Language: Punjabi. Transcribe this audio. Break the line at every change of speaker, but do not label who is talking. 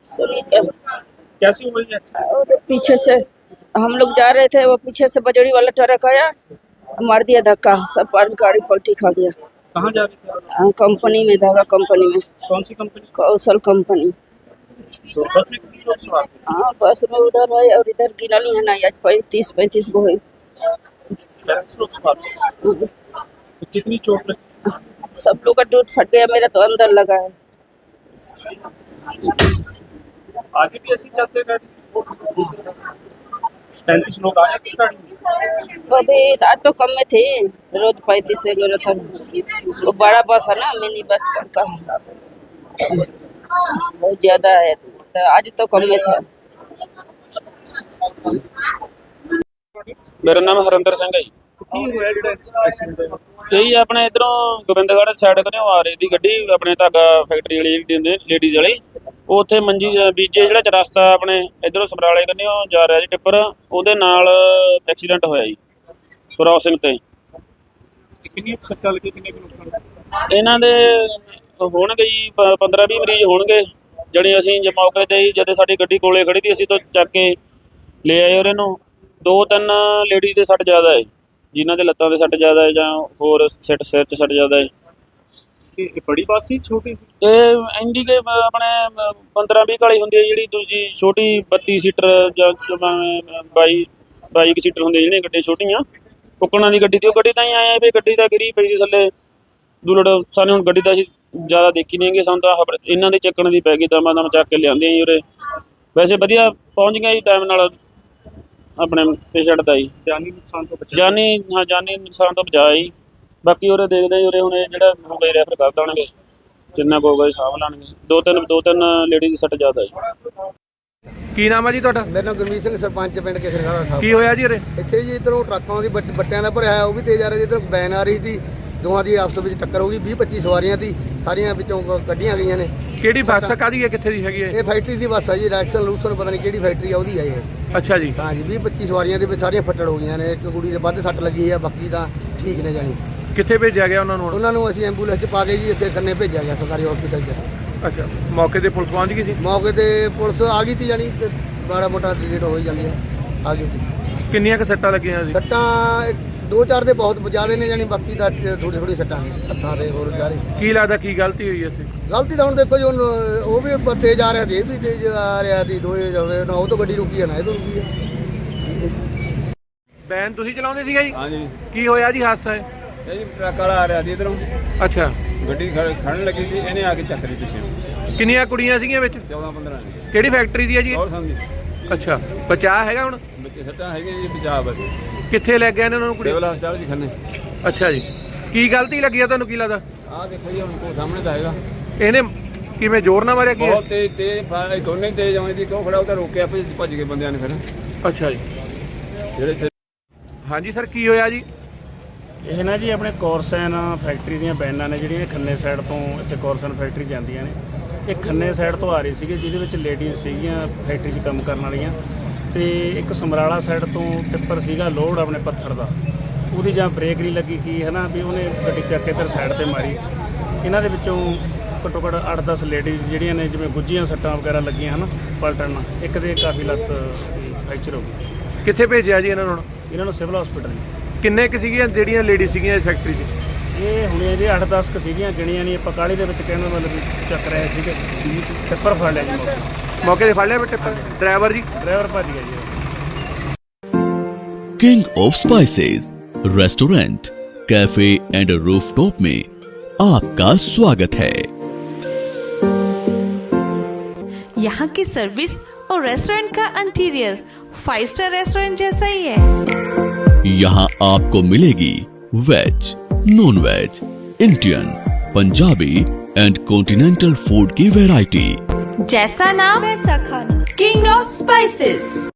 सुनीता।
कैसी हुई एक्सीडेंट?
वो तो पीछे से हम लोग जा रहे थे, वो पीछे से बजड़ी वाला ट्रक आया, मार दिया धक्का, सब पर गाड़ी पलटी खा गया।
कहाँ जा रही थी?
कंपनी में, धागा कंपनी में,
कौन सी कंपनी?
कौशल कंपनी।
तो बस में कितने लोग सवार थे?
हाँ, बस में उधर है और इधर गिनली है ना, आज 35 गो है।
35 लोग सवार थे। तो कितनी चोट लगी?
सब लोग का टूट फट गया, मेरा तो अंदर लगा है।
आगे भी ऐसे जाते गए? 35 लोग आए थे गाड़ी में?
अभी आज तो कम में थे, रोज 35 वगैरह था। वो बड़ा बस है ना, मिनी बस का है, बहुत ज्यादा है, आज तो कम में था।
मेरा नाम हरिंदर सिंह है जी।
ਕੀ ਹੋਇਆ ਜਿਹੜਾ ਐਕਸੀਡੈਂਟ ਹੋਇਆ?
यही अपने इधरों गोबिंदगढ़ साइड कने आ रही थी गड्डी, अपने धागा फैक्ट्री वाली लेडीज वाली, ਉਹ ਉੱਥੇ ਮੰਜੀ ਬੀਜੇ ਜਿਹੜਾ ਰਸਤਾ ਆਪਣੇ ਇਧਰੋਂ ਸਮਰਾਲੇ ਕੰਨਿਓ ਜਾ ਰਿਹਾ ਜੀ ਟਿੱਪਰ, ਉਹਦੇ ਨਾਲ ਐਕਸੀਡੈਂਟ ਹੋਇਆ ਜੀ ਕ੍ਰਾਸਿੰਗ ਤੇ।
ਕਿੰਨੀ ਸੱਟਾਂ ਲੱਗੀ, ਕਿੰਨੇ ਲੋਕਾਂ ਨੂੰ?
ਇਹਨਾਂ ਦੇ ਹੋਣਗੇ ਜੀ 15-20 ਮਰੀਜ਼ ਹੋਣਗੇ, ਜਿਹੜੇ ਅਸੀਂ ਜੇ ਮੌਕੇ ਤੇ ਹੀ ਜਦੋਂ ਸਾਡੀ ਗੱਡੀ ਕੋਲੇ ਖੜੀ ਸੀ ਅਸੀਂ ਤੋਂ ਚੱਕ ਕੇ ਲੈ ਆਏ ਉਹਨਾਂ ਨੂੰ। 2-3 ਲੇਡੀ ਦੇ ਸੱਟ ਜ਼ਿਆਦਾ ਹੈ, ਜਿਨ੍ਹਾਂ ਦੇ ਲੱਤਾਂ ਦੇ ਸੱਟ ਜ਼ਿਆਦਾ ਹੈ ਜਾਂ ਹੋਰ ਸਿਰ 'ਚ ਸੱਟ ਜ਼ਿਆਦਾ ਹੈ।
ਇਹ ਬੜੀ ਬੱਸ ਸੀ ਛੋਟੀ ਸੀ?
ਇਹ ਇੰਡੀਕੇ ਆਪਣੇ 15-20 ਵਾਲੀ ਹੁੰਦੀ ਹੈ, ਜਿਹੜੀ ਦੂਜੀ ਛੋਟੀ 32 ਸੀਟਰ ਜਾਂ 22 ਸੀਟਰ ਹੁੰਦੀ ਜਿਹੜੀਆਂ ਗੱਡੀਆਂ ਛੋਟੀਆਂ ਕੁੱਕਣਾ ਦੀ ਗੱਡੀ, ਤੇ ਉਹ ਗੱਡੀ ਤਾਂ ਹੀ ਆਇਆ ਵੀ ਗੱਡੀ ਤਾਂ ਗਿਰੀ ਪਈ ਸੀ ਥੱਲੇ ਦੁਲੜ। ਸਾਨੂੰ ਹੁਣ ਗੱਡੀ ਤਾਂ ਅਸੀਂ ਜ਼ਿਆਦਾ ਦੇਖੀ ਨਹੀਂ ਹੈਗੀ, ਸਾਨੂੰ ਤਾਂ ਇਹਨਾਂ ਦੇ ਚੱਕਣ ਦੀ ਪੈ ਗਈ, ਦਮਾਂ ਦਮ ਚੱਕ ਕੇ ਲਿਆਂਦੇ ਜੀ ਉਰੇ। ਵੈਸੇ ਵਧੀਆ ਪਹੁੰਚ ਗਿਆ ਜੀ ਟਾਈਮ ਨਾਲ ਆਪਣੇ ਪੇਸ਼ੈਂਟ ਦਾ ਜੀ।
ਜਾਨੀ ਨੁਕਸਾਨ ਤੋਂ ਬਚਾ?
ਜਾਨੀ ਨੁਕਸਾਨ ਤੋਂ ਬਚਾ ਜੀ। ਬਾਕੀ ਉਰੇ ਦੇਖਦੇ ਜੀ, ਉਰੇ ਹੁਣ ਜਿਹੜਾ ਹੋ ਗਏ ਰੈਫਰ ਕਰ ਦੇਣਗੇ, ਜਿੰਨਾ ਕੁ ਹੋਊਗਾ ਸਾਂਭ ਲੈਣਗੇ। ਦੋ ਤਿੰਨ ਲੇਡੀ ਦੀ ਸੱਟ ਜ਼ਿਆਦਾ ਜੀ।
ਕੀ ਨਾਮ ਹੈ ਜੀ ਤੁਹਾਡਾ?
ਮੇਰਾ ਨਾਮ ਗੁਰਮੀਤ ਸਿੰਘ, ਸਰਪੰਚ ਪਿੰਡ ਕੇਸਰਖਾਨਾ ਸਾਹਿਬ।
ਕੀ ਹੋਇਆ ਜੀ ਉਰੇ?
ਇੱਥੇ ਜੀ ਇੱਧਰੋਂ ਟਰੱਕਾਂ ਦੀ ਬੱਟਿਆਂ ਦਾ ਭਰਿਆ ਉਹ ਵੀ ਤੇਜ਼ ਆ ਰਿਹਾ, ਇੱਧਰੋਂ ਵੈਨ ਆ ਰਹੀ ਸੀ, ਦੋਵਾਂ ਦੀ ਆਪਸ ਵਿੱਚ ਟੱਕਰ ਹੋ ਗਈ। 20-25 ਸਵਾਰੀਆਂ ਸੀ, ਸਾਰੀਆਂ ਵਿੱਚੋਂ ਕੱਢੀਆਂ ਗਈਆਂ ਨੇ।
ਕਿਹੜੀ ਬੱਸ ਕਾਹਦੀ ਹੈ, ਕਿੱਥੇ ਦੀ ਹੈਗੀ ਹੈ?
ਇਹ ਫੈਕਟਰੀ ਦੀ ਬੱਸ ਆ ਜੀ, ਰੈਕਸਨ ਲੂਸਨ ਪਤਾ ਨਹੀਂ ਕਿਹੜੀ ਫੈਕਟਰੀ ਆ ਉਹਦੀ ਆ ਇਹ।
ਅੱਛਾ ਜੀ।
ਹਾਂ ਜੀ, 20-25 ਸਵਾਰੀਆਂ ਦੇ ਵਿੱਚ ਸਾਰੀਆਂ ਫੱਟੜ ਹੋ ਗਈਆਂ ਨੇ। ਇੱਕ ਕੁੜੀ ਦੇ ਵੱਧ ਸੱਟ ਲੱਗੀ ਆ, ਬਾਕੀ ਤਾਂ ਠੀਕ ਨੇ ਜਾਣੀ।
ਕਿੱਥੇ ਭੇਜਿਆ ਗਿਆ ਉਹਨਾਂ ਨੂੰ?
ਉਹਨਾਂ ਨੂੰ ਅਸੀਂ ਐਂਬੂਲੈਂਸ 'ਚ ਪਾ ਕੇ ਜੀ ਇੱਥੇ ਖੰਨੇ ਭੇਜਿਆ ਗਿਆ ਸਰਕਾਰੀ ਹਸਪੀਟਲ 'ਚ।
ਅੱਛਾ, ਮੌਕੇ ਤੇ ਪੁਲਿਸ ਪਹੁੰਚ ਗਈ ਜੀ?
ਮੌਕੇ ਤੇ ਪੁਲਿਸ ਆ ਗਈ ਸੀ, ਜਾਣੀ ਤੇ ਮਾੜਾ ਮੋਟਾ ਡਿਲੀਟ ਹੋ ਹੀ ਜਾਂਦੀ ਹੈ, ਆ ਗਈ ਸੀ।
ਕਿੰਨੀਆਂ ਕੁ ਸੱਟਾਂ ਲੱਗੀਆਂ ਸੀ?
ਸੱਟਾਂ 2-4 ਦੇ ਬਹੁਤ ਜ਼ਿਆਦਾ ਨੇ, ਜਾਣੀ ਬਾਕੀ ਦਾ ਥੋੜੀ ਸੱਟਾਂ ਨੇ ਹੱਥਾਂ ਦੇ ਹੋਰ ਜਾ ਰਹੀ।
ਕੀ ਲੱਗਦਾ ਕੀ ਗਲਤੀ ਹੋਈ ਇੱਥੇ?
ਗਲਤੀ ਤਾਂ ਹੁਣ ਦੇਖੋ ਜੀ, ਹੁਣ ਉਹ ਵੀ ਤੇਜ਼ ਆ ਰਿਹਾ ਸੀ, ਇਹ ਵੀ ਤੇਜ਼ ਆ ਰਿਹਾ ਸੀ, ਦੋਏ ਜਾਵੇ ਨਾ, ਉਹ ਤੋਂ ਗੱਡੀ ਰੁਕੀ ਹੈ ਨਾ ਇਹ ਤੋਂ ਰੁਕੀ ਹੈ।
ਵੈਨ ਤੁਸੀਂ ਚਲਾਉਂਦੇ ਸੀਗਾ ਜੀ?
ਹਾਂਜੀ।
ਕੀ ਹੋਇਆ ਜੀ ਹਾਦਸਾ ਹੈ?
ਇਹ ਜੀ ਟਰੱਕ ਵਾਲਾ ਆ ਰਿਹਾ ਸੀ ਇਧਰੋਂ,
ਅੱਛਾ।
ਗੱਡੀ ਖੜਨ ਲੱਗੀ ਸੀ, ਇਹਨੇ ਆ ਕੇ ਚੱਕ ਲਈ ਪਿੱਛੇ।
ਕਿੰਨੀਆਂ ਕੁੜੀਆਂ ਸੀਗੀਆਂ ਵਿੱਚ?
14-15 ਨੇ।
ਕਿਹੜੀ ਫੈਕਟਰੀ ਦੀ ਹੈ ਜੀ ਇਹ?
ਹੋਰ ਸਮਝੀ
ਅੱਛਾ, ਬਚਾਅ ਹੈਗਾ ਹੁਣ?
ਬੱਚੇ ਸੱਟਾਂ ਹੈਗੀਆਂ ਜੀ, ਪੰਜਾਬ
ਕਿੱਥੇ ਲੈ ਗਏ ਨੇ ਉਹਨਾਂ ਨੂੰ ਕੁੜੀ?
ਸਿਵਲ ਹਸਪਤਾਲ ਜੀ ਖੰਨੇ।
ਅੱਛਾ ਜੀ। ਕੀ ਗਲਤੀ ਲੱਗੀ ਆ ਤੁਹਾਨੂੰ, ਕੀ ਲੱਗਦਾ?
ਆਹ ਦੇਖੋ ਜੀ, ਹੁਣ ਕੋ ਸਾਹਮਣੇ ਤਾਂ ਹੈਗਾ।
ਇਹਨੇ ਕਿਵੇਂ ਜ਼ੋਰ ਨਾਲ ਮਾਰਿਆ ਕੀ?
ਬਹੁਤ ਤੇਜ਼ ਦੋਨੇ ਤੇਜ਼ ਆਉਂਦੇ ਸੀ, ਕਿਉਂ ਖੜਾ ਉਹ ਤਾਂ ਰੋਕਿਆ, ਭੱਜ ਗਏ ਬੰਦਿਆਂ ਨੇ ਫਿਰ
ਅੱਛਾ ਜੀ।
ਜਿਹੜੇ।
ਹਾਂਜੀ ਸਰ, ਕੀ ਹੋਇਆ ਜੀ?
ਇਹ ਨਾ ਜੀ ਆਪਣੇ ਕੋਰਸਨ ਫੈਕਟਰੀ ਦੀਆਂ ਵੈਨਾਂ ਨੇ ਜਿਹੜੀਆਂ ਖੰਨੇ ਸਾਈਡ ਤੋਂ ਇੱਥੇ ਕੋਰਸਨ ਫੈਕਟਰੀ ਜਾਂਦੀਆਂ ਨੇ। ਇਹ ਖੰਨੇ ਸਾਈਡ ਤੋਂ ਆ ਰਹੀ ਸੀਗੀ, ਜਿਹਦੇ ਵਿੱਚ ਲੇਡੀਜ਼ ਸੀਗੀਆਂ ਫੈਕਟਰੀ 'ਚ ਕੰਮ ਕਰਨ ਵਾਲੀਆਂ, ਤੇ ਇੱਕ ਸਮਰਾਲਾ ਸਾਈਡ ਤੋਂ ਟਿੱਪਰ ਸੀਗਾ ਲੋਡ ਆਪਣੇ ਪੱਥਰ ਦਾ, ਉਹਦੀ ਜਾਂ ਬ੍ਰੇਕ ਨਹੀਂ ਲੱਗੀ ਕੀ ਹੈ ਨਾ, ਵੀ ਉਹਨੇ ਗੱਡੀ ਚੱਕ ਕੇ ਇੱਧਰ ਸਾਈਡ 'ਤੇ ਮਾਰੀ। ਇਹਨਾਂ ਦੇ ਵਿੱਚੋਂ ਘੱਟੋ ਘੱਟ 8-10 ਲੇਡੀਜ਼ ਜਿਹੜੀਆਂ ਨੇ ਜਿਵੇਂ ਗੁੱਝੀਆਂ ਸੱਟਾਂ ਵਗੈਰਾ ਲੱਗੀਆਂ ਹਨ ਪਲਟਣ ਨਾਲ, ਇੱਕ ਦੇ ਕਾਫੀ ਲੱਤ ਫ੍ਰੈਕਚਰ ਹੋ ਗਈ।
ਕਿੱਥੇ ਭੇਜਿਆ ਜੀ ਇਹਨਾਂ ਨੂੰ?
ਇਹਨਾਂ ਨੂੰ ਸਿਵਲ ਹਸਪੀਟਲ।
ਕਿੰਨੇ ਕੁ ਸੀਗੀਆਂ ਜਿਹੜੀਆਂ ਲੇਡੀ ਸੀਗੀਆਂ ਇਸ ਫੈਕਟਰੀ 'ਚ?
ਇਹ ਹੁਣੇ ਜੇ 8-10 ਕੁ ਸੀਗੀਆਂ, ਗਿਣੀਆਂ ਨਹੀਂ ਆਪਾਂ, ਕਾਹਲੀ ਦੇ ਵਿੱਚ ਕਹਿੰਦਾ ਮਤਲਬ ਵੀ ਚੱਕ ਰਹੇ ਸੀਗੇ। ਟਿੱਪਰ ਫੜ ਲਿਆ ਜੀ
ਮੌਕੇ ਤੇ ਫੜ ਲਿਆ ਟਿੱਪਰ? ਡਰਾਈਵਰ ਜੀ?
ਡਰਾਈਵਰ ਭੱਜ ਗਿਆ ਜੀ।
King of spices restaurant, cafe and rooftop में आपका स्वागत है।
यहाँ की सर्विस और रेस्टोरेंट का इंटीरियर 5 स्टार रेस्टोरेंट जैसा ही है।
यहाँ आपको मिलेगी veg, non veg, Indian, Punjabi and continental food की वैरायटी।
जैसा नाम वैसा खाना, किंग ऑफ स्पाइसेस।